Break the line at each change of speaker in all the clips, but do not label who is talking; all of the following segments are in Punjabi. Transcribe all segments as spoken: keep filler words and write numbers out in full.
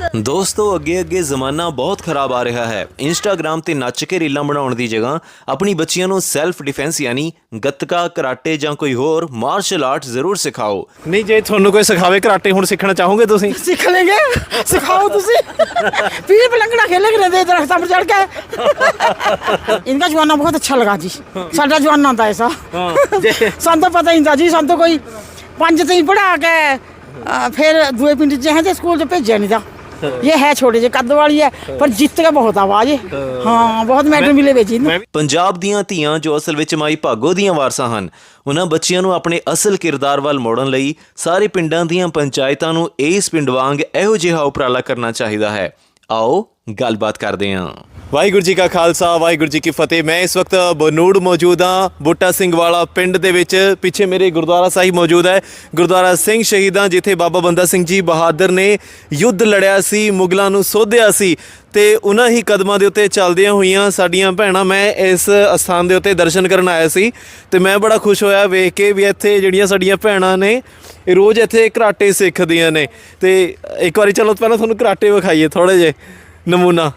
ਦੋਸਤੋ ਅੱਗੇ ਅੱਗੇ ਜ਼ਮਾਨਾ ਬਹੁਤ ਖਰਾਬ ਆ ਰਿਹਾ ਹੈ। ਇੰਸਟਾਗ੍ਰਾਮ ਤੇ ਨੱਚ ਕੇ ਰੀਲਾਂ ਬਣਾਉਣ ਦੀ ਜਗ੍ਹਾ ਆਪਣੀ ਬੱਚੀਆਂ ਨੂੰ ਸੈਲਫ ਡਿਫੈਂਸ ਯਾਨੀ ਗੱਤਕਾ, ਕਰਾਟੇ ਜਾਂ ਕੋਈ ਹੋਰ ਮਾਰਸ਼ਲ ਆਰਟ ਜ਼ਰੂਰ ਸਿਖਾਓ।
ਨਹੀਂ ਜੇ ਤੁਹਾਨੂੰ ਕੋਈ ਸਿਖਾਵੇ ਕਰਾਟੇ ਹੁਣ ਸਿੱਖਣਾ ਚਾਹੋਗੇ ਤੁਸੀਂ?
सीख लेंगे, सिखाओ तुसी पीर पे लंगड़ा खेलेंगे ना दरख्त पर चढ़ के। इनका जमाना बहुत अच्छा लगा जी, साडा जमाना था ऐसा। सन तो पता ही नहीं था जी, सन तो कोई पंज ती पढ़ा के अ, फिर दूए पिंड च हैं स्कूल च भेजा नहीं था। ये है छोटे जे कद वाली है पर जित के बहुत आवाज है। हाँ बहुत मैडल मिले वे जी।
ਪੰਜਾਬ ਦੀਆਂ ਧੀਆਂ ਜੋ ਅਸਲ ਵਿੱਚ ਮਾਈ ਭਾਗੋ ਦੀਆਂ ਵਾਰਸਾਂ ਹਨ, ਉਹਨਾਂ ਬੱਚਿਆਂ ਨੂੰ ਆਪਣੇ ਅਸਲ ਕਿਰਦਾਰ ਵੱਲ ਮੋੜਨ ਲਈ ਸਾਰੇ ਪਿੰਡਾਂ ਦੀਆਂ ਪੰਚਾਇਤਾਂ ਨੂੰ ਇਸ ਪਿੰਡ ਵਾਂਗ ਇਹੋ ਜਿਹਾ ਉਪਰਾਲਾ ਕਰਨਾ ਚਾਹੀਦਾ ਹੈ। ਆਓ ਗੱਲਬਾਤ ਕਰਦੇ ਹਾਂ।
ਵਾਹਿਗੁਰੂ ਜੀ ਕਾ ਖਾਲਸਾ, ਵਾਹਿਗੁਰੂ ਜੀ ਕੀ ਫਤਿਹ। ਮੈਂ ਇਸ ਵਕਤ ਬਨੂੜ ਮੌਜੂਦ ਹਾਂ, ਬੂਟਾ ਸਿੰਘ ਵਾਲਾ ਪਿੰਡ ਦੇ ਵਿੱਚ। ਪਿੱਛੇ ਮੇਰੇ ਗੁਰਦੁਆਰਾ ਸਾਹਿਬ ਮੌਜੂਦ ਹੈ, ਗੁਰਦੁਆਰਾ ਸਿੰਘ ਸ਼ਹੀਦਾਂ, ਜਿੱਥੇ ਬਾਬਾ ਬੰਦਾ ਸਿੰਘ ਜੀ ਬਹਾਦਰ ਨੇ ਯੁੱਧ ਲੜਿਆ ਸੀ, ਮੁਗਲਾਂ ਨੂੰ ਸੋਧਿਆ ਸੀ। ਤੇ ਉਹਨਾਂ ਹੀ ਕਦਮਾਂ ਦੇ ਉੱਤੇ ਚੱਲਦੀਆਂ ਹੋਈਆਂ ਸਾਡੀਆਂ ਭੈਣਾਂ, ਮੈਂ ਇਸ ਅਸਥਾਨ ਦੇ ਉੱਤੇ ਦਰਸ਼ਨ ਕਰਨ ਆਇਆ ਸੀ ਤੇ ਮੈਂ ਬੜਾ ਖੁਸ਼ ਹੋਇਆ ਵੇਖ ਕੇ ਵੀ ਇੱਥੇ ਜਿਹੜੀਆਂ ਸਾਡੀਆਂ ਭੈਣਾਂ ਨੇ ਇਹ ਰੋਜ਼ ਇੱਥੇ ਕਰਾਟੇ ਸਿੱਖਦੀਆਂ ਨੇ। ਤੇ ਇੱਕ ਵਾਰੀ ਚਲੋ ਪਹਿਲਾਂ ਤੁਹਾਨੂੰ ਕਰਾਟੇ ਵਿਖਾਈਏ ਥੋੜ੍ਹੇ ਜਿਹੇ ਨਮੂਨਾ।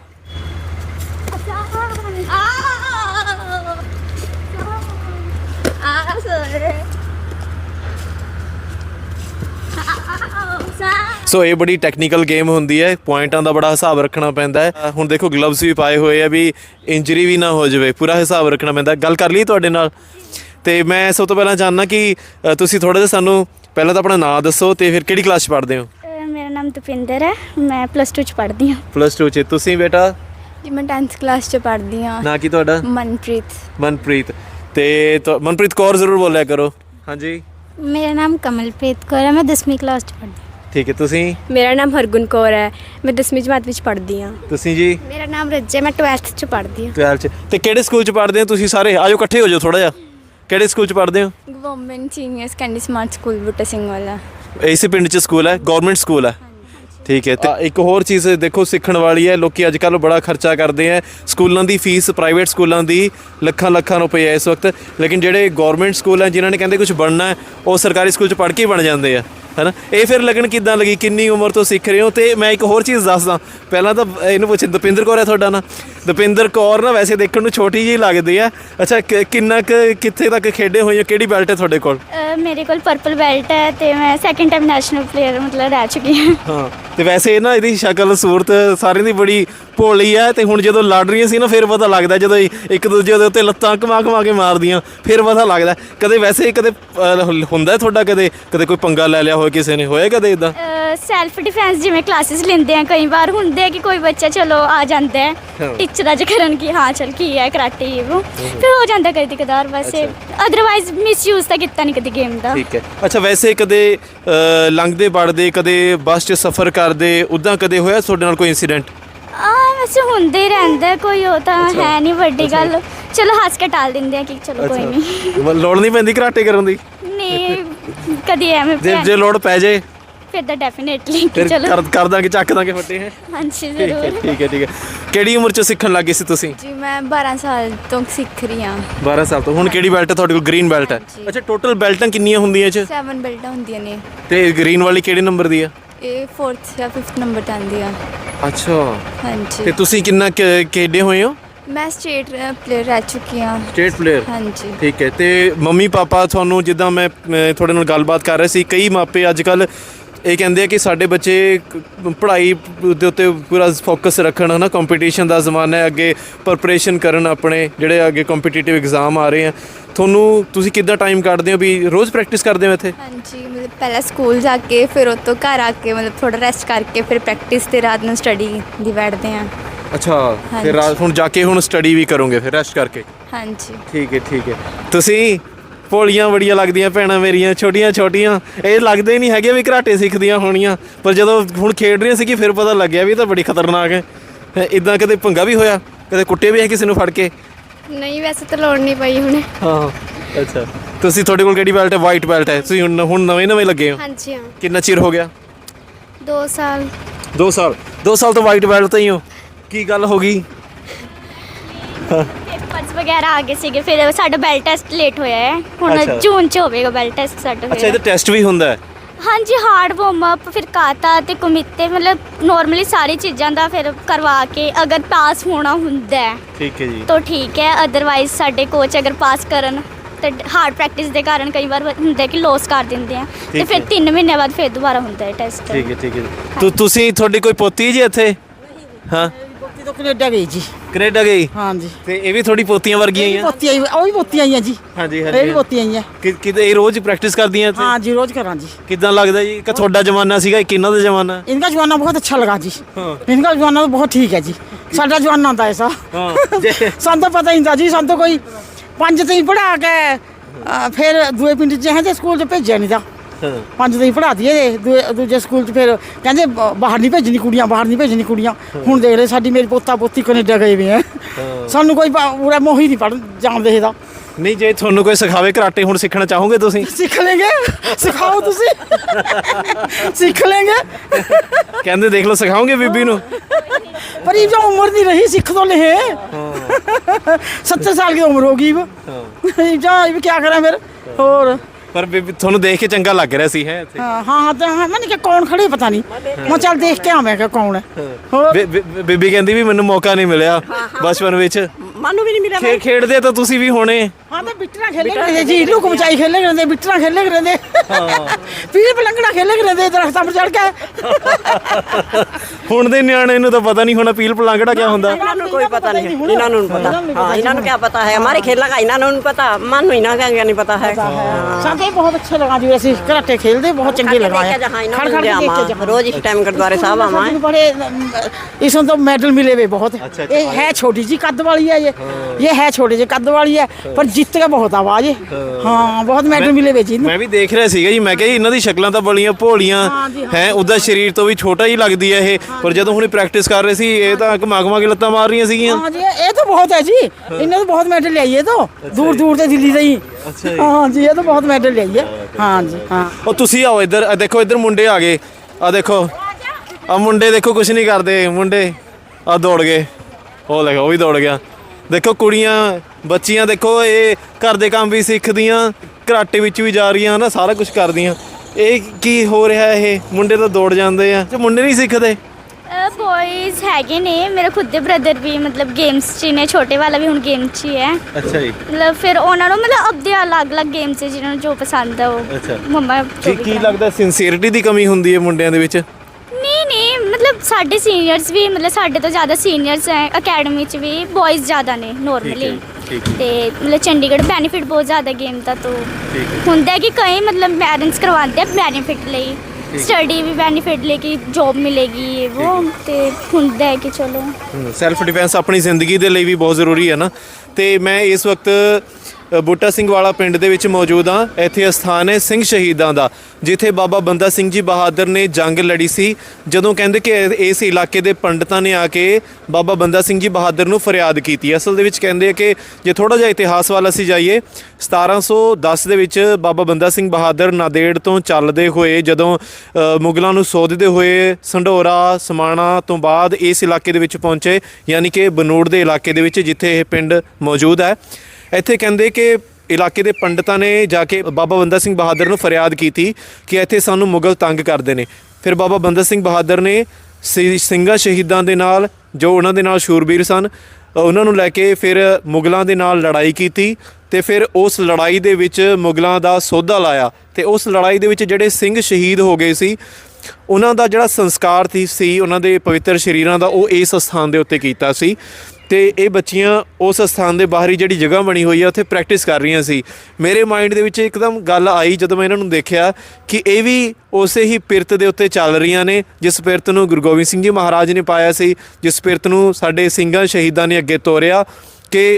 ਸੋ ਇਹ ਬੜੀ ਟੈਕਨੀਕਲ ਗੇਮ ਹੁੰਦੀ ਹੈ, ਪੁਆਇੰਟਾਂ ਦਾ ਬੜਾ ਹਿਸਾਬ ਰੱਖਣਾ ਪੈਂਦਾ ਹੈ। ਹੁਣ ਦੇਖੋ ਗਲਵਸ ਵੀ ਪਾਏ ਹੋਏ ਆ ਵੀ ਇੰਜਰੀ ਵੀ ਨਾ ਹੋ ਜਾਵੇ, ਪੂਰਾ ਹਿਸਾਬ ਰੱਖਣਾ ਪੈਂਦਾ। ਗੱਲ ਕਰ ਲਈ ਤੁਹਾਡੇ ਨਾਲ ਤੇ ਮੈਂ ਸਭ ਤੋਂ ਪਹਿਲਾਂ ਜਾਣਨਾ ਕਿ ਤੁਸੀਂ ਥੋੜ੍ਹਾ ਜਿਹਾ ਸਾਨੂੰ ਪਹਿਲਾਂ ਤਾਂ ਆਪਣਾ ਨਾਂ ਦੱਸੋ ਤੇ ਫਿਰ ਕਿਹੜੀ ਕਲਾਸ 'ਚ ਪੜ੍ਹਦੇ ਹੋ?
ਮੇਰਾ ਨਾਮ ਤਪਿੰਦਰ ਹੈ, ਮੈਂ ਪਲੱਸ ਟੂ 'ਚ ਪੜ੍ਹਦੀ ਹਾਂ।
ਪਲੱਸ ਟੂ 'ਚ। ਤੁਸੀਂ ਬੇਟਾ?
ਜੀ ਮੈਂ ਟੈਂਥ ਕਲਾਸ 'ਚ ਪੜ੍ਹਦੀ ਹਾਂ।
ਨਾਂ ਕੀ ਤੁਹਾਡਾ?
ਮਨਪ੍ਰੀਤ।
ਮਨਪ੍ਰੀਤ। ਤੇ ਤੁ- ਮਨਪ੍ਰੀਤ ਕੌਰ ਜ਼ਰੂਰ ਬੋਲਿਆ ਕਰੋ। ਹਾਂਜੀ
ਮੇਰਾ ਨਾਮ ਕਮਲਪ੍ਰੀਤ ਕੌਰ ਹੈ, ਮੈਂ ਦਸਵੀਂ ਕਲਾਸ 'ਚ ਪੜ੍ਹਦੀ ਹਾਂ।
ਠੀਕ ਹੈ। ਤੁਸੀਂ?
ਮੇਰਾ ਨਾਮ ਹਰਗੁਣ ਕੌਰ ਹੈ, ਮੈਂ ਦਸਵੀਂ ਜਮਾਤ ਵਿੱਚ ਪੜ੍ਹਦੀ ਹਾਂ।
ਤੁਸੀਂ ਜੀ?
ਮੇਰਾ ਨਾਮ ਰੱਜੇ, ਮੈਂ ਟਵੈਲਥ 'ਚ ਪੜ੍ਹਦੀ ਹਾਂ।
ਟਵੈਲਥ 'ਚ। ਤੇ ਕਿਹੜੇ ਸਕੂਲ 'ਚ ਪੜ੍ਹਦੇ ਹੋ ਤੁਸੀਂ ਸਾਰੇ? ਆਜੋ ਇਕੱਠੇ ਹੋ ਜਾਓ ਥੋੜ੍ਹਾ ਜਿਹਾ। ਕਿਹੜੇ ਸਕੂਲ 'ਚ ਪੜ੍ਹਦੇ ਹੋ?
Government senior secondary smart school Buta Singh ਵਾਲਾ।
ਇਸੇ ਪਿੰਡ 'ਚ ਸਕੂਲ ਹੈ? ਗਵਰਨਮੈਂਟ ਸਕੂਲ ਹੈ। ਠੀਕ ਹੈ। ਤੇ ਇੱਕ ਹੋਰ ਚੀਜ਼ ਦੇਖੋ ਸਿੱਖਣ ਵਾਲੀ ਹੈ, ਲੋਕੀ ਅੱਜ ਕੱਲ੍ਹ ਬੜਾ ਖਰਚਾ ਕਰਦੇ ਹੈ। ਸਕੂਲਾਂ ਦੀ ਫੀਸ ਪ੍ਰਾਈਵੇਟ ਸਕੂਲਾਂ ਦੀ ਲੱਖਾਂ ਲੱਖਾਂ ਰੁਪਏ ਹੈ ਇਸ ਵਕਤ, ਲੇਕਿਨ ਜਿਹੜੇ ਗੌਰਮੈਂਟ ਸਕੂਲ ਹੈ ਜਿਨ੍ਹਾਂ ਨੇ ਕਹਿੰਦੇ ਕੁਝ ਬਣਨਾ ਹੈ ਉਹ ਸਰਕਾਰੀ ਸਕੂਲ 'ਚ ਪੜ੍ਹ ਕੇ ਹੀ ਬਣ ਜਾਂਦੇ ਆ, ਹੈ ਨਾ। ਇਹ ਫਿਰ ਲੱਗਣ ਕਿੱਦਾਂ ਲੱਗੀ, ਕਿੰਨੀ ਉਮਰ ਤੋਂ ਸਿੱਖ ਰਹੇ ਹੋ? ਤੇ ਮੈਂ ਇੱਕ ਹੋਰ ਚੀਜ਼ ਦੱਸਦਾ, ਪਹਿਲਾਂ ਤਾਂ ਇਹਨੂੰ ਪੁੱਛ, ਦਪਿੰਦਰ ਕੌਰ ਹੈ ਤੁਹਾਡਾ ਨਾਂ? ਦਪਿੰਦਰ ਕੌਰ ਨਾ ਵੈਸੇ ਦੇਖਣ ਨੂੰ ਛੋਟੀ ਜਿਹੀ ਲੱਗਦੀ ਹੈ। ਅੱਛਾ ਕਿ- ਕਿੰਨਾ ਕੁ ਕਿੱਥੇ ਤੱਕ ਖੇਡੇ ਹੋਏ ਹੋ? ਕਿਹੜੀ ਬੈਲਟ ਹੈ ਤੁਹਾਡੇ ਕੋਲ?
ਅ, ਮੇਰੇ ਕੋਲ ਪਰਪਲ ਬੈਲਟ ਹੈ ਤੇ ਮੈਂ ਸੈਕਿੰਡ ਟਾਈਮ ਨੈਸ਼ਨਲ ਪਲੇਅਰ ਮਤਲਬ ਰਹਿ ਚੁੱਕੀ ਹਾਂ।
ਹਾਂ। ਤੇ ਵੈਸੇ ਨਾ ਇਹਦੀ ਸ਼ਕਲ ਸੂਰਤ ਸਾਰਿਆਂ ਦੀ ਬੜੀ ਭੋਲੀ ਹੈ, ਤੇ ਹੁਣ ਜਦੋਂ ਲੜ ਰਹੀਆਂ ਸੀ ਨਾ ਫਿਰ ਪਤਾ ਲੱਗਦਾ, ਜਦੋਂ ਇੱਕ ਦੂਜੇ ਦੇ ਉੱਤੇ ਲੱਤਾਂ ਘੁਮਾ ਘੁਮਾ ਕੇ ਮਾਰਦੀਆਂ ਫਿਰ ਪਤਾ ਲੱਗਦਾ। ਕਦੇ ਵੈਸੇ ਕਦੇ ਅ, ਹੁੰਦਾ ਤੁਹਾਡਾ ਕਦੇ ਕਦੇ ਕੋਈ ਪੰਗਾ ਲੈ ਲਿਆ ਹੋਵੇ ਕਿਸੇ ਨੇ, ਹੋਇਆ ਕਦੇ ਇਦਾਂ?
ਸੈਲਫ ਡਿਫੈਂਸ ਜਿਵੇਂ ਕਲਾਸਿਸ ਲੈਂਦੇ ਆ, ਕਈ ਵਾਰ ਹੁੰਦੇ ਆ ਕਿ ਕੋਈ ਬੱਚਾ ਚਲੋ ਆ ਜਾਂਦਾ ਹੈ ਟੀਚਰ ਅੱਜ ਕਰਨ ਕਿ ਹਾਂ ਚਲ ਕੀ ਹੈ ਕਰਾਟੇ ਉਹ ਫਿਰ ਹੋ ਜਾਂਦਾ ਕਦੀ ਕਦਾਰ, ਵੈਸੇ ਅਦਰਵਾਈਜ਼ ਮਿਸਯੂਜ਼ ਤਾਂ ਕੀਤਾ ਨਹੀਂ ਕਦੀ ਗੇਮ ਦਾ।
ਠੀਕ ਹੈ। ਅੱਛਾ ਵੈਸੇ ਕਦੇ ਅ, ਲੰਘਦੇ ਵੜਦੇ ਕਦੇ ਬੱਸ 'ਚ ਸਫ਼ਰ ਕਰਦੇ ਉੱਦਾਂ ਕਦੇ ਹੋਇਆ ਤੁਹਾਡੇ ਨਾਲ ਕੋਈ ਇੰਸੀਡੈਂਟ?
ਆ ਵੈਸੇ ਹੁੰਦੇ ਹੀ ਰਹਿੰਦਾ, ਕੋਈ ਉਹ ਤਾਂ ਹੈ ਨਹੀਂ ਵੱਡੀ ਗੱਲ, ਚਲੋ ਹੱਸ ਕੇ ਟਾਲ ਦਿੰਦੇ ਆ ਕਿ ਚਲੋ ਕੋਈ ਨਹੀਂ।
ਲੋੜ ਨਹੀਂ ਪੈਂਦੀ ਕਰਾਟੇ ਕਰਨ ਦੀ?
ਨਹੀਂ ਕਦੀ ਐਵੇਂ
ਜੇ ਜੇ ਲੋੜ ਪੈ ਜੇ
ਫਿਰ ਤਾਂ ਡੈਫੀਨੇਟਲੀ
ਫਿਰ
ਚਲੋ
ਕਰ ਕਰ ਦਾਂਗੇ, ਚੱਕ ਦਾਂਗੇ ਫੱਟੇ ਹੈ।
ਹਾਂਜੀ
ਠੀਕ ਹੈ
ਜ਼ਰੂਰ।
ਠੀਕ ਹੈ ਠੀਕ ਹੈ। ਕਿਹੜੀ ਉਮਰ 'ਚ ਸਿੱਖਣ ਲੱਗੇ ਸੀ ਤੁਸੀਂ?
ਜੀ ਮੈਂ ਬਾਰਾਂ ਸਾਲ ਤੋਂ ਸਿੱਖ ਰਹੀ ਹਾਂ।
ਬਾਰਾਂ ਸਾਲ ਤੋਂ। ਹੁਣ ਕਿਹੜੀ ਬੈਲਟ ਹੈ ਤੁਹਾਡੇ ਕੋਲ? ਗ੍ਰੀਨ ਬੈਲਟ ਹੈ।
ਹਾਂਜੀ।
ਅੱਛਾ ਟੋਟਲ ਬੈਲਟਾਂ ਕਿੰਨੀਆਂ ਹੁੰਦੀਆਂ ਇਹ 'ਚ?
ਸੈਵਨ ਬੈਲਟਾਂ ਹੁੰਦੀਆਂ ਨੇ।
ਤੇ ਗ੍ਰੀਨ ਵਾਲੀ ਕਿਹੜੇ ਨੰਬਰ ਦੀ ਆ?
ਇਹ ਫੋਰਥ ਜਾਂ ਫਿਫਥ ਨੰਬਰ 'ਤੇ ਆਉਂਦੀ ਆ।
ਅੱਛਾ।
ਹਾਂਜੀ।
ਤੇ ਤੁਸੀਂ ਕਿੰਨਾ ਕ- ਖੇਡੇ ਹੋਏ ਹੋ?
ਮੈਂ ਸਟੇਟ ਪਲੇਅਰ ਰਹਿ ਚੁੱਕੀ ਹਾਂ।
State player?
ਹਾਂਜੀ।
ਠੀਕ ਹੈ। ਤੇ ਮੰਮੀ ਪਾਪਾ ਤੁਹਾਨੂੰ, ਜਿੱਦਾਂ ਮੈਂ ਮੈਂ ਤੁਹਾਡੇ ਨਾਲ ਗੱਲਬਾਤ ਕਰ ਰਿਹਾ ਸੀ, ਕਈ ਮਾਪੇ ਅੱਜ ਕੱਲ੍ਹ ਇਹ ਕਹਿੰਦੇ ਆ ਕਿ ਸਾਡੇ ਬੱਚੇ ਕ- ਪੜ੍ਹਾਈ ਦੇ ਉੱਤੇ ਪੂਰਾ ਫੋਕਸ ਰੱਖਣ, ਹੈ ਨਾ। ਕੰਪੀਟੀਸ਼ਨ ਦਾ ਜ਼ਮਾਨਾ ਹੈ, ਅੱਗੇ ਪ੍ਰੈਪਰੇਸ਼ਨ ਕਰਨ ਆਪਣੇ ਜਿਹੜੇ ਅੱਗੇ ਕੰਪੀਟੀਟਿਵ ਐਗਜ਼ਾਮ ਆ ਰਹੇ ਆ। ਤੁਹਾਨੂੰ ਤੁਸੀਂ ਕਿੱਦਾਂ ਟਾਈਮ ਕੱਢਦੇ ਹੋ? ਵੀ ਰੋਜ਼ ਪ੍ਰੈਕਟਿਸ ਕਰਦੇ ਹੋ ਇੱਥੇ?
ਹਾਂਜੀ ਮਤਲਬ ਪਹਿਲਾਂ ਸਕੂਲ ਜਾ ਕੇ ਫਿਰ ਉਹ ਤੋਂ ਘਰ ਆ ਕੇ ਮਤਲਬ ਥੋੜਾ ਰੈਸਟ ਕਰਕੇ ਫਿਰ ਪ੍ਰੈਕਟਿਸ ਤੇ ਰਾਤ ਨੂੰ ਸਟੱਡੀ ਦੀ ਬੈਠਦੇ ਹਾਂ।
ਅੱਛਾ। ਫਿਰ
ਹਾਂਜੀ।
ਰਾਤ ਹੁਣ ਜਾ ਕੇ ਹੁਣ ਸਟੱਡੀ ਵੀ ਕਰੋਗੇ ਫਿਰ ਰੈਸਟ ਕਰਕੇ?
ਹਾਂਜੀ।
ਠੀਕ ਹੈ ਠੀਕ ਹੈ। ਤੁਸੀਂ ਭੋਲੀਆਂ ਬੜੀਆਂ ਲੱਗਦੀਆਂ ਭੈਣਾਂ ਮੇਰੀਆਂ, ਛੋਟੀਆਂ ਛੋਟੀਆਂ, ਇਹ ਲੱਗਦੇ ਨਹੀਂ ਹੈਗੇ ਵੀ ਘਰਾਟੇ ਸਿੱਖਦੀਆਂ ਹੋਣੀਆਂ, ਪਰ ਜਦੋਂ ਹੁਣ ਖੇਡ ਰਹੀਆਂ ਸੀ ਕਿ ਫਿਰ ਪਤਾ ਲੱਗਿਆ ਵੀ ਇਹ ਤਾਂ ਬੜੀ ਖਤਰਨਾਕ ਹੈ। ਇਦਾਂ ਕਦੇ ਭੰਗਾ ਵੀ ਹੋਇਆ? ਕਦੇ ਕੁੱਟੇ ਵੀ ਹੈ ਕਿਸੇ ਨੂੰ ਫੜ ਕੇ?
ਨਹੀਂ ਵੈਸੇ ਤਾਂ ਲੋੜ ਨਹੀਂ ਪਈ ਹੁਣ।
ਹਾਂ। ਅੱਛਾ। ਤੁਸੀਂ ਤੁਹਾਡੇ ਕੋਲ ਕਿਹੜੀ ਬੈਲਟ ਹੈ? ਵਾਈਟ ਬੈਲਟ ਹੈ। ਤੁਸੀਂ ਹੁਣ ਹੁਣ ਨਵੇਂ ਨਵੇਂ ਲੱਗੇ ਹੋ?
ਹਾਂਜੀ ਹਾਂ।
ਕਿੰਨਾ ਚਿਰ ਹੋ ਗਿਆ?
ਦੋ ਸਾਲ।
ਦੋ ਸਾਲ। ਦੋ ਸਾਲ ਤੋਂ ਵਾਈਟ ਬੈਲਟ ਤੇ ਹੀ ਹੋ? ਕੀ ਗੱਲ ਹੋ ਗਈ?
ਪੇਪਰਸ ਵਗੈਰਾ ਆ ਗਏ ਸੀਗੇ, ਫਿਰ ਸਾਡਾ ਬੈਲਟ ਟੈਸਟ ਲੇਟ ਹੋਇਆ ਹੈ, ਹੁਣ
ਅੱਛਾ।
ਜੂਨ 'ਚ ਹੋਵੇਗਾ ਬੈਲਟ ਟੈਸਟ ਸਾਡਾ।
ਅੱਛਾ ਇਹਦਾ ਟੈਸਟ ਵੀ ਹੁੰਦਾ ਹੈ?
ਹਾਂਜੀ ਹਾਰਡ ਵਾਰਮ ਅਪ ਫਿਰ ਕਾਤਾ ਤੇ ਕਮਿੱਤੇ ਮਤਲਬ ਨੋਰਮਲੀ ਸਾਰੀ ਚੀਜ਼ਾਂ ਦਾ ਫਿਰ ਕਰਵਾ ਕੇ ਅਗਰ ਪਾਸ ਹੋਣਾ ਹੁੰਦਾ ਹੈ
ਠੀਕ ਹੈ ਜੀ।
ਤਾਂ ਠੀਕ ਹੈ, ਅਦਰਵਾਈਜ਼ ਸਾਡੇ ਕੋਚ ਅਗਰ ਪਾਸ ਕਰਨ ਤੇ ਹਾਰਡ ਪ੍ਰੈਕਟਿਸ ਦੇ ਕਾਰਨ ਕਈ ਵਾਰ ਹੁੰਦਾ ਕਿ ਲੋਸ ਕਰ ਦਿੰਦੇ ਆ ਤੇ ਫਿਰ ਤਿੰਨ ਮਹੀਨੇ ਬਾਅਦ ਫਿਰ ਦੁਬਾਰਾ ਹੁੰਦਾ ਹੈ ਟੈਸਟ।
ਠੀਕ ਹੈ ਠੀਕ ਹੈ। ਤੂੰ ਤੁਸੀਂ ਤੁਹਾਡੀ ਕੋਈ ਪੋਤੀ ਜੀ ਇੱਥੇ? ਹਾਂ
ਪੋਤੀ ਤਾਂ ਕੈਨੇਡਾ ਗਈ ਜੀ।
ਕੈਨੇਡਾ ਗਈ?
ਹਾਂ ਜੀ।
ਤੇ ਇਹ ਵੀ ਥੋੜੀ ਪੋਤੀਆਂ ਵਰਗੀਆਂ ਹੀ ਆ?
ਪੋਤੀ ਆਈ ਉਹ ਵੀ ਪੋਤੀ ਆਈਆਂ ਜੀ।
ਹਾਂਜੀ
ਇਹ ਵੀ ਪੋਤੀ ਆਈਆਂ।
ਕਿ ਕਿਤੇ ਇਹ ਰੋਜ਼ ਪ੍ਰੈਕਟਿਸ ਕਰਦੀਆਂ ਇੱਥੇ?
हाँ जी रोज करा जी।
ਕਿਦਾਂ ਲੱਗਦਾ ਜੀ ਕਿ ਤੁਹਾਡਾ ਜ਼ਮਾਨਾ ਸੀਗਾ ਕਿ ਇਹਨਾਂ ਦਾ ਜ਼ਮਾਨਾ?
इनका जमाना बहुत अच्छा लगा जी।
हाँ।
इनका जमाना तो बहुत ठीक है जी। साडा जमाना था ऐसा।
हाँ, जे-
सन तो पता ही नहीं था जी। सन तो कोई पंज ती पढ़ा के अ, फिर दूए पिंड च हैं ते स्कूल च भेजा नहीं था।
ਹਾਂ
पंज ती पढ़ा दिए दूए दूजे स्कूल च फिर कहते बाहर नहीं भेजनी कुड़ियां बाहर नहीं भेजनी कुड़ियां। हुण देख ले साडी मेरी पोता पोती कनेडा गए हुए हैं। सानू कोई पूरा मोही नहीं पढ़ जान देदा।
ਨਹੀਂ ਜੇ ਤੁਹਾਨੂੰ ਕੋਈ ਸਿਖਾਵੇ ਕਰਾਟੇ ਹੁਣ ਸਿੱਖਣਾ ਚਾਹੋਗੇ ਤੁਸੀਂ?
सीख लेंगे सिखाओ तुसी सीख लेंगे।
ਕਹਿੰਦੇ ਦੇਖ ਲਓ ਸਿਖਾਓਗੇ ਬੀਬੀ ਨੂੰ?
पर ये जो उम्र नहीं रही सीख तो ले सत्तर साल की उम्र होगी अब। जा ये क्या करें फिर और
ਪਰ ਬੀਬੀ ਤੁਹਾਨੂੰ ਦੇਖ ਕੇ ਚੰਗਾ ਲੱਗ ਰਿਹਾ ਸੀ ਹੈ ਇੱਥੇ?
हाँ हाँ तो हाँ, मैंने क्या कौन खड़े पता नहीं मैं चल देख के आवेगा कौन है और
ਬੀ- ਬੀ- ਬੀਬੀ ਕਹਿੰਦੀ ਵੀ ਮੈਨੂੰ ਮੌਕਾ ਨਹੀਂ ਮਿਲਿਆ ਬਚਪਨ ਵਿੱਚ।
मानू भी नहीं मिला
ਖੇ ਖੇਡਦੇ ਤਾਂ ਤੁਸੀਂ ਵੀ ਹੋਣੇ।
हाँ तो बिटरा खेले रहते जी लुक मचाई खेले रहते बिटरा खेले रहते पीर पलंगड़ा खेले रहते दरख्तां पर चढ़ के।
ਹੁਣ ਦੇ ਨਿਆਣੇ ਨੂੰ ਤਾਂ ਪਤਾ ਨਹੀਂ ਹੋਣਾ ਪੀਲ ਪਲਾਂਗੜਾ ਕੀ ਹੁੰਦਾ।
ਇਹਨਾਂ ਨੂੰ ਕੋਈ ਪਤਾ ਨਹੀਂ, ਇਹਨਾਂ ਨੂੰ ਨਹੀਂ ਪਤਾ। ਹਾਂ ਇਹਨਾਂ ਨੂੰ ਕੀ ਪਤਾ ਹੈ, ਹਮਾਰੇ खेलना का ਇਹਨਾਂ ਨੂੰ नहीं पता, मन ਨੂੰ ਇਹਨਾਂ का नहीं पता है।
साथे बहुत अच्छा लगा जी वैसे कराटे खेलते बहुत चंगे लगा है।
जहाँ
खड़
इन्होंने
खड़ के देख के जहाँ।
रोज इस टाइम गुरुद्वारे साहब आवा है।
बड़े इसमें तो मेडल मिले हुए बहुत। ये है छोटी जी कद वाली है ये ये है छोटी जी कद वाली है पर जीत के बहुत आवाज है। हाँ बहुत मेडल मिले हुए जी।
ਮੈਂ ਵੀ ਦੇਖ ਰਿਹਾ ਸੀਗਾ ਜੀ, ਮੈਂ ਕਿਹਾ ਜੀ ਇਹਨਾਂ ਦੀ ਸ਼ਕਲਾਂ ਤਾਂ ਬੜੀਆਂ ਭੋਲੀਆਂ
ਹਾਂ ਜੀ, ਹਾਂ।
ਹੈ, ਉਹਦਾ ਸਰੀਰ ਤੋਂ ਵੀ ਛੋਟਾ ਹੀ ਲੱਗਦੀ ਹੈ ਇਹ, ਪਰ ਜਦੋਂ ਹੁਣ ਪ੍ਰੈਕਟਿਸ ਕਰ ਰਹੇ ਸੀ ਇਹ ਤਾਂ ਘੁਮਾ ਘੁਮਾ ਕੇ ਲੱਤਾਂ ਮਾਰ ਰਹੀਆਂ ਸੀਗੀਆਂ।
हाँ जी ये तो बहुत है जी। इन्हें तो बहुत मेडल लिया तो दूर दूर से दिल्ली से ही। हाँ जी ये तो बहुत मेडल लिया। हाँ जी हाँ
ਉਹ ਤੁਸੀਂ ਆਓ ਇੱਧਰ, ਆਹ ਦੇਖੋ ਇੱਧਰ ਮੁੰਡੇ ਆ ਗਏ, ਆ ਦੇਖੋ ਆ ਮੁੰਡੇ ਦੇਖੋ ਕੁਝ ਨਹੀਂ ਕਰਦੇ ਮੁੰਡੇ, ਆ ਦੌੜ ਗਏ, ਉਹ ਦੇਖੋ ਉਹ ਵੀ ਦੌੜ ਗਿਆ। ਦੇਖੋ ਕੁੜੀਆਂ ਬੱਚੀਆਂ ਦੇਖੋ ਇਹ ਘਰ ਦੇ ਕੰਮ ਵੀ ਸਿੱਖਦੀਆਂ, ਕਰਾਟੇ ਵਿੱਚ ਵੀ ਜਾ ਰਹੀਆਂ ਨਾ, ਸਾਰਾ ਕੁਝ ਕਰਦੀਆਂ। ਇਹ ਕੀ ਹੋ ਰਿਹਾ ਇਹ? ਮੁੰਡੇ ਤਾਂ ਦੌੜ ਜਾਂਦੇ ਆ ਤੇ ਮੁੰਡੇ ਨਹੀਂ ਸਿੱਖਦੇ?
ਬॉयਜ਼ ਹੈਗੇ ਨੇ ਮੇਰੇ ਖੁਦ ਦੇ ਬ੍ਰਦਰ ਵੀ ਮਤਲਬ ਗੇਮਸ 'ਚ ਨੇ, ਛੋਟੇ ਵਾਲਾ ਵੀ ਹੁਣ ਗੇਮ 'ਚ ਹੀ ਹੈ।
ਅੱਛਾ ਜੀ।
ਮਤਲਬ ਫਿਰ ਉਹਨਾਂ ਨੂੰ ਮਤਲਬ ਆਪਦੇ ਅਲੱਗ-ਅਲੱਗ ਗੇਮਸ 'ਚ ਜਿਹਨਾਂ ਨੂੰ ਜੋ ਪਸੰਦ ਆ ਉਹ
ਅੱਛਾ।
ਮੰਮਾ ਜੋ
ਕੀ
ਵੀ
ਕੀ
ਕਰਾਉਂਦੇ।
ਲੱਗਦਾ ਸਿੰਸੀਅਰਿਟੀ ਦੀ ਕਮੀ ਹੁੰਦੀ ਹੈ ਮੁੰਡਿਆਂ ਦੇ ਵਿੱਚ?
ਨਹੀਂ ਨਹੀਂ ਮਤਲਬ ਸਾਡੇ ਸੀਨੀਅਰਸ ਵੀ ਮਤਲਬ ਸਾਡੇ ਤੋਂ ਜ਼ਿਆਦਾ ਸੀਨੀਅਰਸ ਹੈ ਅਕੈਡਮੀ 'ਚ ਵੀ ਬॉयਜ਼ ਜ਼ਿਆਦਾ ਨੇ ਨੋਰਮਲੀ।
ਠੀਕ ਹੈ।
ਤੇ ਮਤਲਬ ਚੰਡੀਗੜ੍ਹ ਬੈਨੀਫਿਟ ਬਹੁਤ ਜ਼ਿਆਦਾ ਗੇਮ ਦਾ ਤੋਂ
ਠੀਕ ਹੈ।
ਹੁੰਦਾ ਹੈ ਕਿ ਕਈ ਮਤਲਬ ਪੈਰੈਂਟਸ ਕਰਵਾਉਂਦੇ ਆ ਬੈਨੀਫਿਟ ਲਈ, ਸਟੱਡੀ ਵੀ ਬੈਨੀਫਿਟ ਲਈ ਕਿ ਜੌਬ ਮਿਲੇਗੀ ਉਹ, ਤੇ ਹੁੰਦਾ ਹੈ ਕਿ ਚਲੋ
ਸੈਲਫ ਡਿਫੈਂਸ ਆਪਣੀ ਜ਼ਿੰਦਗੀ ਦੇ ਲਈ ਵੀ ਬਹੁਤ ਜ਼ਰੂਰੀ ਹੈ ਨਾ। ਤੇ ਮੈਂ ਇਸ ਵਕਤ ਅ, ਬੂਟਾ ਸਿੰਘ ਵਾਲਾ ਪਿੰਡ ਦੇ ਵਿੱਚ ਮੌਜੂਦ ਹਾਂ। ਇੱਥੇ ਅਸਥਾਨ ਹੈ ਸਿੰਘ ਸ਼ਹੀਦਾਂ ਦਾ, ਜਿੱਥੇ ਬਾਬਾ ਬੰਦਾ ਸਿੰਘ ਜੀ ਬਹਾਦਰ ਨੇ ਜੰਗ ਲੜੀ ਸੀ। ਜਦੋਂ ਕਹਿੰਦੇ ਕਿ ਇਸ ਇਲਾਕੇ ਦੇ ਪੰਡਤਾਂ ਨੇ ਆ ਕੇ ਬਾਬਾ ਬੰਦਾ ਸਿੰਘ ਜੀ ਬਹਾਦਰ ਨੂੰ ਫਰਿਆਦ ਕੀਤੀ। ਅਸਲ ਦੇ ਵਿੱਚ ਕਹਿੰਦੇ ਆ ਕਿ ਜੇ ਥੋੜ੍ਹਾ ਜਿਹਾ ਇਤਿਹਾਸ ਵੱਲ ਅਸੀਂ ਜਾਈਏ, ਸਤਾਰਾਂ ਸੌ ਦਸ ਦੇ ਵਿੱਚ ਬਾਬਾ ਬੰਦਾ ਸਿੰਘ ਬਹਾਦਰ ਨਾਂਦੇੜ ਤੋਂ ਚੱਲਦੇ ਹੋਏ ਜਦੋਂ ਅ, ਮੁਗਲਾਂ ਨੂੰ ਸੋਧਦੇ ਹੋਏ ਸੰਢੋਰਾ ਸਮਾਣਾ ਤੋਂ ਬਾਅਦ ਇਸ ਇਲਾਕੇ ਦੇ ਵਿੱਚ ਪਹੁੰਚੇ, ਯਾਨੀ ਕਿ ਬਨੂੜ ਦੇ ਇਲਾਕੇ ਦੇ ਵਿੱਚ ਜਿੱਥੇ ਇਹ ਪਿੰਡ ਮੌਜੂਦ ਹੈ। ਇੱਥੇ ਕਹਿੰਦੇ ਕਿ ਇਲਾਕੇ ਦੇ ਪੰਡਤਾਂ ਨੇ ਜਾ ਕੇ ਬਾਬਾ ਬੰਦਾ ਸਿੰਘ ਬਹਾਦਰ ਨੂੰ ਫਰਿਆਦ ਕੀਤੀ ਕਿ ਇੱਥੇ ਸਾਨੂੰ ਮੁਗਲ ਤੰਗ ਕਰਦੇ ਨੇ। ਫਿਰ ਬਾਬਾ ਬੰਦਾ ਸਿੰਘ ਬਹਾਦਰ ਨੇ ਸਿ- ਸਿੰਘਾਂ ਸ਼ਹੀਦਾਂ ਦੇ ਨਾਲ ਜੋ ਉਹਨਾਂ ਦੇ ਨਾਲ ਸ਼ੂਰਬੀਰ ਸਨ ਉਹਨਾਂ ਨੂੰ ਲੈ ਕੇ ਫਿਰ ਮੁਗਲਾਂ ਦੇ ਨਾਲ ਲੜਾਈ ਕੀਤੀ ਤੇ ਫਿਰ ਉਸ ਲੜਾਈ ਦੇ ਵਿੱਚ ਮੁਗਲਾਂ ਦਾ ਸੋਧਾ ਲਾਇਆ ਤੇ ਉਸ ਲੜਾਈ ਦੇ ਵਿੱਚ ਜਿਹੜੇ ਸਿੰਘ ਸ਼ਹੀਦ ਹੋ ਗਏ ਸੀ ਉਹਨਾਂ ਦਾ ਜਿਹੜਾ ਸੰਸਕਾਰ ਸੀ ਸੀ ਉਹਨਾਂ ਦੇ ਪਵਿੱਤਰ ਸ਼ਰੀਰਾਂ ਦਾ ਉਹ ਇਸ ਸਥਾਨ ਦੇ ਉੱਤੇ ਕੀਤਾ ਸੀ। ਤੇ ਇਹ ਬੱਚੀਆਂ ਉਸ ਸਥਾਨ ਦੇ ਬਾਹਰੀ ਜਿਹੜੀ ਜਗ੍ਹਾ ਬਣੀ ਹੋਈ ਆ ਉੱਥੇ ਪ੍ਰੈਕਟਿਸ ਕਰ ਰਹੀਆਂ ਸੀ। ਮੇਰੇ ਮਾਈਂਡ ਦੇ ਵਿੱਚ ਇੱਕਦਮ ਗੱਲ ਆਈ ਜਦੋਂ ਮੈਂ ਇਹਨਾਂ ਨੂੰ ਦੇਖਿਆ ਕਿ ਇਹ ਵੀ ਉਸੇ ਹੀ ਪਿਰਤ ਦੇ ਉੱਤੇ ਚੱਲ ਰਹੀਆਂ ਨੇ ਜਿਸ ਪਿਰਤ ਨੂੰ ਗੁਰੂ ਗੋਬਿੰਦ ਸਿੰਘ ਜੀ ਮਹਾਰਾਜ ਨੇ ਪਾਇਆ ਸੀ, ਜਿਸ ਪਿਰਤ ਨੂੰ ਸਾਡੇ ਸਿੰਘਾਂ ਸ਼ਹੀਦਾਂ ਨੇ ਅੱਗੇ ਤੋਰਿਆ ਕਿ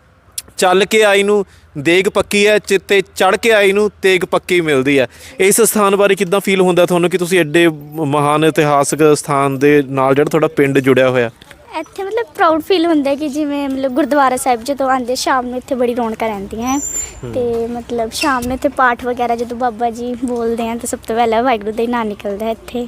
ਚੱਲ ਕੇ ਆਈ ਨੂੰ ਦੇਗ ਪੱਕੀ ਹੈ, ਚਿੱਤੇ ਚੜ੍ਹ ਕੇ ਆਈ ਨੂੰ ਤੇਗ ਪੱਕੀ ਮਿਲਦੀ ਹੈ। ਇਸ ਸਥਾਨ ਬਾਰੇ ਕਿੱਦਾਂ ਫੀਲ ਹੁੰਦਾ ਤੁਹਾਨੂੰ ਕਿ ਤੁਸੀਂ ਐਡੇ ਮਹਾਨ ਇਤਿਹਾਸਕ ਸਥਾਨ ਦੇ ਨਾਲ ਜਿਹੜਾ ਤੁਹਾਡਾ ਪਿੰਡ ਜੁੜਿਆ ਹੋਇਆ?
ਇੱਥੇ ਮਤਲਬ ਪ੍ਰਾਊਡ ਫੀਲ ਹੁੰਦਾ ਕਿ ਜਿਵੇਂ ਮਤਲਬ ਗੁਰਦੁਆਰਾ ਸਾਹਿਬ ਜਦੋਂ ਆਉਂਦੇ ਸ਼ਾਮ ਨੂੰ ਇੱਥੇ ਬੜੀ ਰੌਣਕਾਂ ਰਹਿੰਦੀਆਂ ਤੇ ਮਤਲਬ ਸ਼ਾਮ ਨੂੰ ਇੱਥੇ ਪਾਠ ਵਗੈਰਾ ਜਦੋਂ ਬਾਬਾ ਜੀ ਬੋਲਦੇ ਆ ਤਾਂ ਸਭ ਤੋਂ ਪਹਿਲਾਂ ਵਾਹਿਗੁਰੂ ਦਾ ਹੀ ਨਾਂ ਨਿਕਲਦਾ ਇੱਥੇ।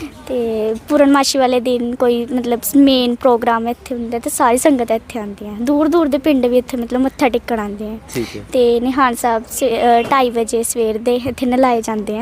ਤੇ ਪੂਰਨਮਾਸ਼ੀ ਵਾਲੇ ਦਿਨ ਕੋਈ ਮਤਲਬ ਮੇਨ ਪ੍ਰੋਗਰਾਮ ਇੱਥੇ ਹੁੰਦਾ ਤੇ ਸਾਰੀ ਸੰਗਤ ਇੱਥੇ ਆਉਂਦੀ ਹੈ, ਦੂਰ ਦੂਰ ਦੇ ਪਿੰਡ ਵੀ ਇੱਥੇ ਮਤਲਬ ਮੱਥਾ ਟੇਕਣ ਆਉਂਦੇ ਆ। ਤੇ ਨਿਹਾਲ ਸਾਹਿਬ ਢਾਈ ਵਜੇ ਸਵੇਰ ਦੇ ਇੱਥੇ ਨਲਾਏ ਜਾਂਦੇ ਆ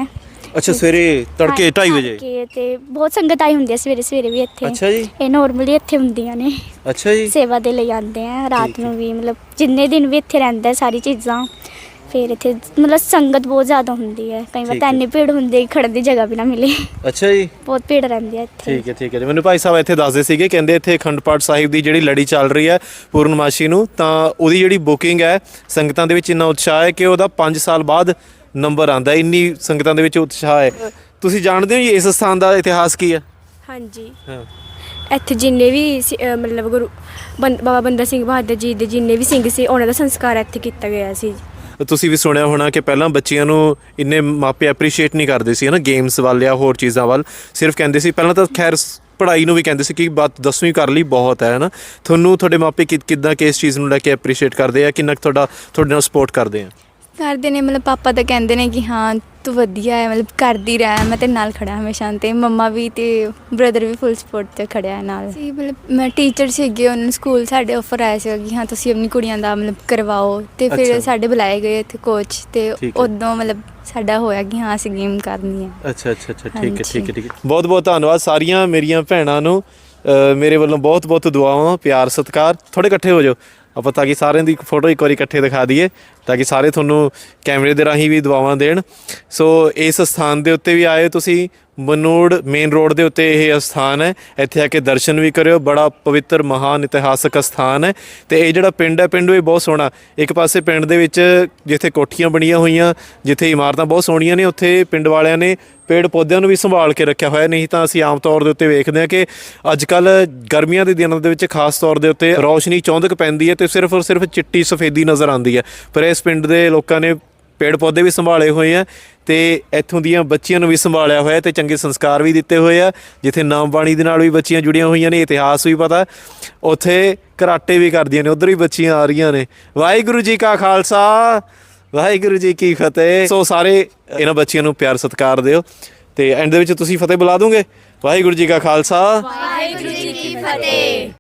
ਅੱਛਾ ਸਵੇਰੇ ਤੜਕੇ ਢਾਈ ਵਜੇ
ਤੜਕੇ ਤੇ ਬਹੁਤ ਸੰਗਤ ਆਈ ਹੁੰਦੀ ਹੈ ਸਵੇਰੇ ਸਵੇਰੇ ਵੀ ਇੱਥੇ।
ਅੱਛਾ ਜੀ
ਇਹ ਨੋਰਮਲੀ ਇੱਥੇ ਹੁੰਦੀਆਂ ਨੇ,
ਅੱਛਾ ਜੀ
ਸੇਵਾ ਦੇ ਲਈ ਆਉਂਦੇ ਆ ਰਾਤ ਨੂੰ ਵੀ, ਮਤਲਬ ਜਿੰਨੇ ਦਿਨ ਵੀ ਇੱਥੇ ਰਹਿੰਦਾ ਹੈ ਸਾਰੀ ਚੀਜ਼ਾਂ। ਫਿਰ ਇੱਥੇ ਮਤਲਬ ਸੰਗਤ ਬਹੁਤ ਜ਼ਿਆਦਾ ਹੁੰਦੀ ਹੈ, ਕਈ ਵਾਰ
ਠੀਕ
ਤਾਂ
ਹੈ।
ਇੰਨੀ ਭੀੜ ਹੁੰਦੀ ਹੈ ਕਿ ਖੜਨ ਦੀ ਜਗ੍ਹਾ ਵੀ ਨਾ ਮਿਲੇ,
ਅੱਛਾ ਜੀ
ਬਹੁਤ ਭੀੜ ਰਹਿੰਦੀ ਹੈ ਇੱਥੇ।
ਠੀਕ ਹੈ ਠੀਕ ਹੈ ਜੀ। ਮੈਨੂੰ ਭਾਈ ਸਾਹਿਬ ਇੱਥੇ ਦੱਸਦੇ ਸੀਗੇ, ਕਹਿੰਦੇ ਇੱਥੇ ਅਖੰਡ ਪਾਠ ਸਾਹਿਬ ਦੀ ਜਿਹੜੀ ਲੜੀ ਚੱਲ ਰਹੀ ਹੈ ਪੂਰਨਮਾਸ਼ੀ ਨੂੰ, ਤਾਂ ਉਹਦੀ ਜਿਹੜੀ ਬੁਕਿੰਗ ਹੈ ਸੰਗਤਾਂ ਦੇ ਵਿੱਚ ਇੰਨਾ ਉਤਸ਼ਾਹ ਹੈ ਕਿ ਉਹਦਾ ਪੰਜ ਸਾਲ ਬਾਅਦ ਨੰਬਰ ਆਂਦਾ, ਇੰਨੀ ਸੰਗਤਾਂ ਦੇ ਵਿੱਚ ਉਤਸ਼ਾਹ ਹੈ। ਤੁਸੀਂ ਜਾਣਦੇ ਹੋ ਜੀ ਇਸ ਸਥਾਨ ਦਾ ਇਤਿਹਾਸ ਕੀ ਹੈ?
ਹਾਂਜੀ,
ਹਾਂ
ਇੱਥੇ ਜਿੰਨੇ ਵੀ ਸੀ- ਅਹ ਮਤਲਬ ਗੁਰੂ ਬੰ- ਬਾਬਾ ਬੰਦਾ ਸਿੰਘ ਬਹਾਦਰ ਜੀ ਦੇ ਜਿੰਨੇ ਵੀ ਸਿੰਘ ਸੀ ਉਹਨਾਂ ਦਾ ਸੰਸਕਾਰ ਇੱਥੇ ਕੀਤਾ ਗਿਆ ਸੀ।
ਤੁਸੀਂ ਵੀ ਸੁਣਿਆ ਹੋਣਾ ਕਿ ਪਹਿਲਾਂ ਬੱਚਿਆਂ ਨੂੰ ਇੰਨੇ ਮਾਪੇ ਐਪਰੀਸ਼ੀਏਟ ਨਹੀਂ ਕਰਦੇ ਸੀ ਹੈ ਨਾ, ਗੇਮਸ ਵੱਲ ਜਾਂ ਹੋਰ ਚੀਜ਼ਾਂ ਵੱਲ, ਸਿਰਫ ਕਹਿੰਦੇ ਸੀ ਪਹਿਲਾਂ ਤਾਂ ਖੈਰ ਪੜ੍ਹਾਈ ਨੂੰ ਵੀ ਕਹਿੰਦੇ ਸੀ ਕਿ ਬਾਤ ਦਸਵੀਂ ਕਰ ਲਈ ਬਹੁਤ ਹੈ ਨਾ। ਤੁਹਾਨੂੰ ਤੁਹਾਡੇ ਮਾਪੇ ਕਿ ਕਿੱਦਾਂ ਕਿ ਇਸ ਚੀਜ਼ ਨੂੰ ਲੈ ਕੇ ਐਪਰੀਸ਼ੀਏਟ ਕਰਦੇ ਆ, ਕਿੰਨਾ ਕੁ ਤੁਹਾਡਾ ਤੁਹਾਡੇ ਨਾਲ ਸਪੋਰਟ ਕਰਦੇ ਆ?
ਕਰਦੇ ਨੇ, ਮਤਲਬ ਪਾਪਾ ਤਾਂ ਕਹਿੰਦੇ ਨੇ ਕਿ ਹਾਂ ਤੂੰ ਵਧੀਆ ਹੈ, ਮਤਲਬ ਕਰਦੀ ਰਹਿ, ਮੈਂ ਤੇਰੇ ਨਾਲ ਖੜਾ ਹਮੇਸ਼ਾ। ਤੇ ਮੰਮਾ ਵੀ ਤੇ ਬ੍ਰਦਰ ਵੀ ਫੁੱਲ ਸਪੋਰਟ ਤੇ ਖੜਿਆ ਹੈ ਨਾਲ। ਸੀ ਮਤਲਬ ਮੈਂ ਟੀਚਰ ਸੀਗੇ, ਉਹਨਾਂ ਨੂੰ ਸਕੂਲ ਸਾਡੇ ਆਫਰ ਆਇਆ ਸੀ ਕਿ ਹਾਂ ਤੁਸੀਂ ਆਪਣੀ ਕੁੜੀਆਂ ਦਾ ਮਤਲਬ ਕਰਵਾਓ, ਤੇ
ਅੱਛਾ।
ਫਿਰ ਸਾਡੇ ਬੁਲਾਏ ਗਏ ਇੱਥੇ ਕੋਚ, ਤੇ
ਠੀਕ ਹੈ।
ਉਦੋਂ ਮਤਲਬ ਸਾਡਾ ਹੋਇਆ ਕਿ ਹਾਂ ਅਸੀਂ ਗੇਮ ਕਰਨੀ ਹੈ।
ਅੱਛਾ ਅੱਛਾ ਅੱਛਾ ਠੀਕ ਹੈ
ਹਾਂਜੀ।
ਠੀਕ ਹੈ ਠੀਕ ਹੈ। ਬਹੁਤ ਬਹੁਤ ਧੰਨਵਾਦ ਸਾਰੀਆਂ ਮੇਰੀਆਂ ਭੈਣਾਂ ਨੂੰ, ਅ, ਮੇਰੇ ਵੱਲੋਂ ਬਹੁਤ ਬਹੁਤ ਦੁਆਵਾਂ, ਪਿਆਰ ਸਤਿਕਾਰ। ਥੋੜੇ ਇਕੱਠੇ ਹੋ ਜਾਓ ਆਪਾਂ, ਤਾਂ ਕਿ ਸਾਰਿਆਂ ਦੀ ਫੋਟੋ ਇੱਕ ਵਾਰੀ ਇਕੱਠੇ ਦਿਖਾ ਦਈਏ, ਤਾਂ ਕਿ ਸਾਰੇ ਤੁਹਾਨੂੰ ਕੈਮਰੇ ਦੇ ਰਾਹੀਂ ਵੀ ਦੁਆਵਾਂ ਦੇਣ। ਸੋ ਇਸ ਸਥਾਨ ਦੇ ਉੱਤੇ ਵੀ ਆਏ ਤੁਸੀਂ, ਬਨੂੜ ਮੇਨ ਰੋਡ ਦੇ ਉੱਤੇ ਇਹ ਸਥਾਨ ਹੈ, ਇੱਥੇ ਆ ਕੇ ਦਰਸ਼ਨ ਵੀ ਕਰਿਓ। ਬੜਾ ਪਵਿੱਤਰ ਮਹਾਨ ਇਤਿਹਾਸਕ ਸਥਾਨ ਹੈ। ਤੇ ਇਹ ਜਿਹੜਾ ਪਿੰਡ ਹੈ, ਪਿੰਡ ਵੀ ਬਹੁਤ ਸੋਹਣਾ। ਇੱਕ ਪਾਸੇ ਪਿੰਡ ਦੇ ਵਿੱਚ ਜਿੱਥੇ ਕੋਠੀਆਂ ਬਣੀਆਂ ਹੋਈਆਂ, ਜਿੱਥੇ ਇਮਾਰਤਾਂ ਬਹੁਤ ਸੋਹਣੀਆਂ ਨੇ, ਉੱਥੇ ਪਿੰਡ ਵਾਲਿਆਂ ਨੇ ਪੇੜ ਪੌਦਿਆਂ ਨੂੰ ਵੀ ਸੰਭਾਲ ਕੇ ਰੱਖਿਆ ਹੋਇਆ। ਨਹੀਂ ਤਾਂ ਅਸੀਂ ਆਮ ਤੌਰ ਦੇ ਉੱਤੇ ਵੇਖਦੇ ਹਾਂ ਕਿ ਅੱਜ ਕੱਲ੍ਹ ਗਰਮੀਆਂ ਦੇ ਦਿਨਾਂ ਦੇ ਵਿੱਚ ਖਾਸ ਤੌਰ ਦੇ ਉੱਤੇ ਰੌਸ਼ਨੀ ਚੌਂਧਕ ਪੈਂਦੀ ਹੈ ਤੇ ਸਿਰਫ ਔਰ ਸਿਰਫ ਚਿੱਟੀ ਸਫੇਦੀ ਨਜ਼ਰ ਆਉਂਦੀ ਹੈ, ਪਰ ਇਸ ਪਿੰਡ ਦੇ ਲੋਕਾਂ ਨੇ ਪੇੜ ਪੌਦੇ ਵੀ ਸੰਭਾਲੇ ਹੋਏ ਆ ਤੇ ਇੱਥੋਂ ਦੀਆਂ ਬੱਚੀਆਂ ਨੂੰ ਵੀ ਸੰਭਾਲਿਆ ਹੋਇਆ ਤੇ ਚੰਗੇ ਸੰਸਕਾਰ ਵੀ ਦਿੱਤੇ ਹੋਏ ਆ। ਜਿੱਥੇ ਨਾਮ ਬਾਣੀ ਦੇ ਨਾਲ ਵੀ ਬੱਚੀਆਂ ਜੁੜੀਆਂ ਹੋਈਆਂ ਨੇ, ਇਤਿਹਾਸ ਵੀ ਪਤਾ, ਉੱਥੇ ਕਰਾਟੇ ਵੀ ਕਰਦੀਆਂ ਨੇ, ਉੱਧਰ ਵੀ ਬੱਚੀਆਂ ਆ ਰਹੀਆਂ ਨੇ। ਵਾਹਿਗੁਰੂ ਜੀ ਕਾ ਖਾਲਸਾ, ਵਾਹਿਗੁਰੂ ਜੀ ਕੀ ਫਤਿਹ। ਸੋ ਸਾਰੇ ਇਹਨਾਂ ਬੱਚਿਆਂ ਨੂੰ ਪਿਆਰ ਸਤਿਕਾਰ ਦਿਓ ਤੇ ਐਂਡ ਦੇ ਵਿੱਚ ਤੁਸੀਂ ਫਤਿਹ ਬੁਲਾ ਦੋਗੇ। ਵਾਹਿਗੁਰੂ ਜੀ ਕਾ ਖਾਲਸਾ,
ਵਾਹਿਗੁਰੂ ਜੀ ਕੀ ਫਤਿਹ।